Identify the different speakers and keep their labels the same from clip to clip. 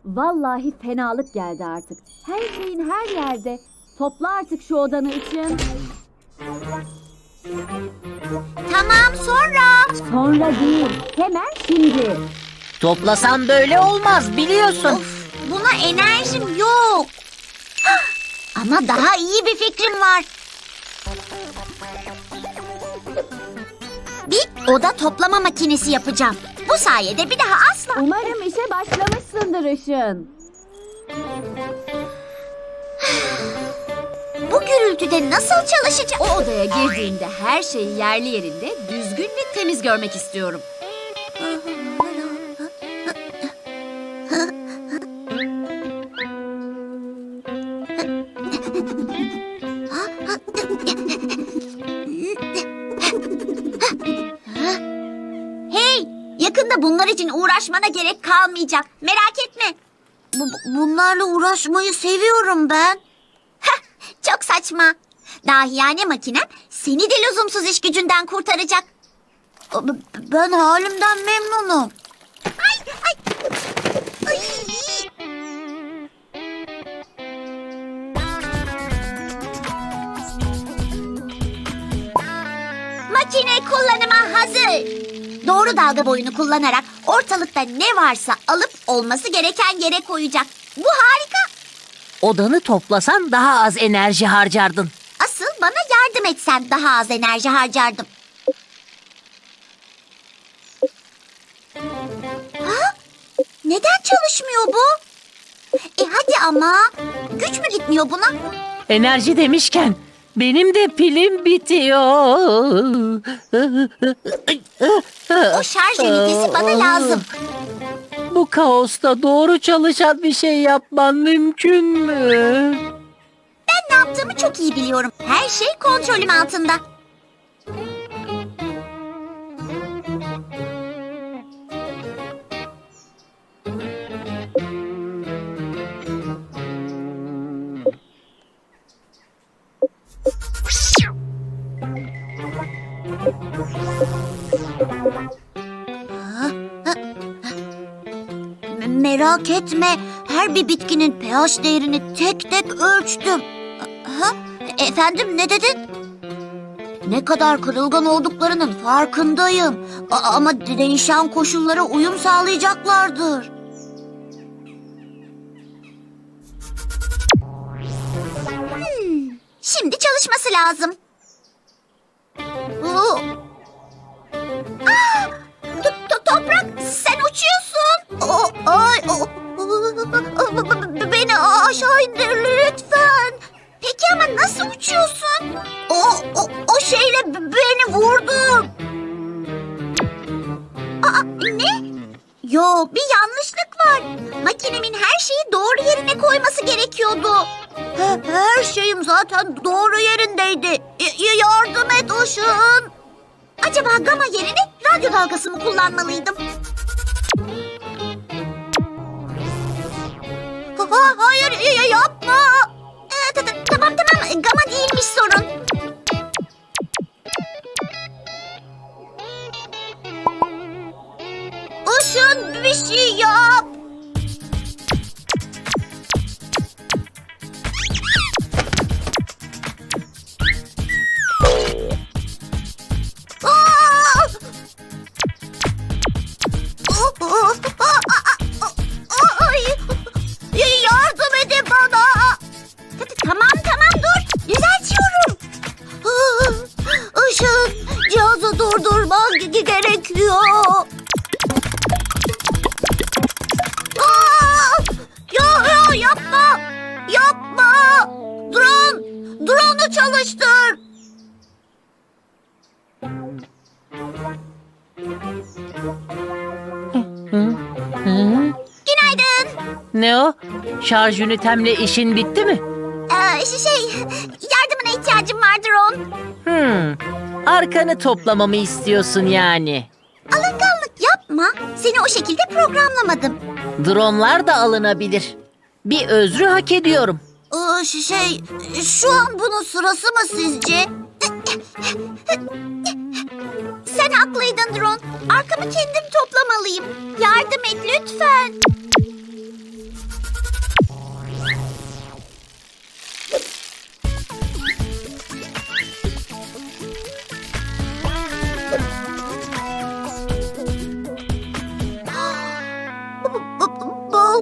Speaker 1: Vallahi fenalık geldi artık. Her şeyin her yerde. Topla artık şu odanı için.
Speaker 2: Tamam, sonra.
Speaker 1: Sonra değil, hemen şimdi.
Speaker 3: Toplasam böyle olmaz biliyorsun.
Speaker 2: Of, buna enerjim yok. Ama daha iyi bir fikrim var. Bir oda toplama makinesi yapacağım. Bu sayede bir daha asla...
Speaker 1: Umarım işe başlamışsındır Işın.
Speaker 2: Bu gürültüde nasıl çalışacağım?
Speaker 4: O odaya girdiğinde her şeyi yerli yerinde, düzgün ve temiz görmek istiyorum.
Speaker 2: Hey, yakında bunlar için uğraşmana gerek kalmayacak. Merak etme. Bunlarla uğraşmayı seviyorum ben. Çok saçma. Dahiyane makinem seni de lüzumsuz iş gücünden kurtaracak. Ben halimden memnunum. Ay, ay. Ay. Makine kullanıma hazır. Doğru dalga boyunu kullanarak ortalıkta ne varsa alıp olması gereken yere koyacak. Bu harika.
Speaker 3: Odanı toplasan daha az enerji harcardın.
Speaker 2: Asıl bana yardım etsen daha az enerji harcardım. Ha? Neden çalışmıyor bu? Hadi ama. Güç mü gitmiyor buna?
Speaker 3: Enerji demişken benim de pilim bitiyor.
Speaker 2: O şarj ünitesi bana lazım.
Speaker 3: Bu kaosta doğru çalışan bir şey yapman mümkün mü?
Speaker 2: Ben ne yaptığımı çok iyi biliyorum. Her şey kontrolüm altında. Merak etme. Her bir bitkinin pH değerini tek tek ölçtüm. Ha? Efendim, ne dedin? Ne kadar kırılgan olduklarının farkındayım. Ama değişen koşullara uyum sağlayacaklardır. Şimdi çalışması lazım. Toprak, sen uçuyorsun. Beni aşağı indir lütfen. Peki ama nasıl uçuyorsun? O şeyle beni vurdun. Ne? Yo, bir yanlışlık var. Makinemin her şeyi doğru yerine koyması gerekiyordu. Her şeyim zaten doğru yerindeydi. Yardım et Işın. Acaba gama yerine radyo dalgası mı kullanmalıydım? Hayır, yapma. Tamam, gama değilmiş sorun. Işın, bir şey yap. Yardım edin bana. Tamam, dur. Düzeltiyorum. Işın, cihazı durdurman gerekiyor. Yapma. Drone'u çalıştır. Günaydın.
Speaker 3: Ne o? Şarj ünitemle işin bitti mi?
Speaker 2: Yardımına ihtiyacım var drone.
Speaker 3: Arkanı toplamamı istiyorsun yani.
Speaker 2: Alınganlık yapma. Seni o şekilde programlamadım.
Speaker 3: Dronlar da alınabilir. Bir özrü hak ediyorum.
Speaker 2: Şu an bunun sırası mı sizce? Sen haklıydın drone. Arkamı kendim toplamalıyım. Yardım et lütfen.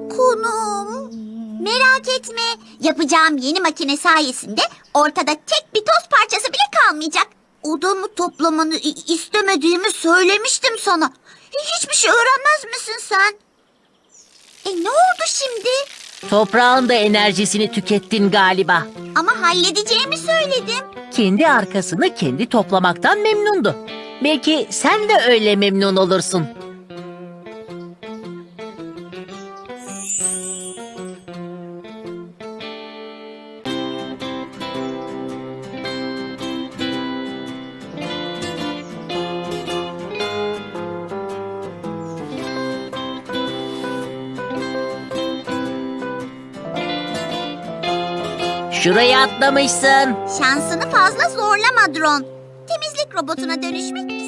Speaker 2: dokunum. Merak etme. Yapacağım yeni makine sayesinde ortada tek bir toz parçası bile kalmayacak. Odamı toplamanı istemediğimi söylemiştim sana. Hiçbir şey öğrenmez misin sen? Ne oldu şimdi?
Speaker 3: Toprağın da enerjisini tükettin galiba.
Speaker 2: Ama halledeceğimi söyledim.
Speaker 3: Kendi arkasını kendi toplamaktan memnundu. Belki sen de öyle memnun olursun. Şuraya atlamışsın.
Speaker 2: Şansını fazla zorlama Drone. Temizlik robotuna dönüşmek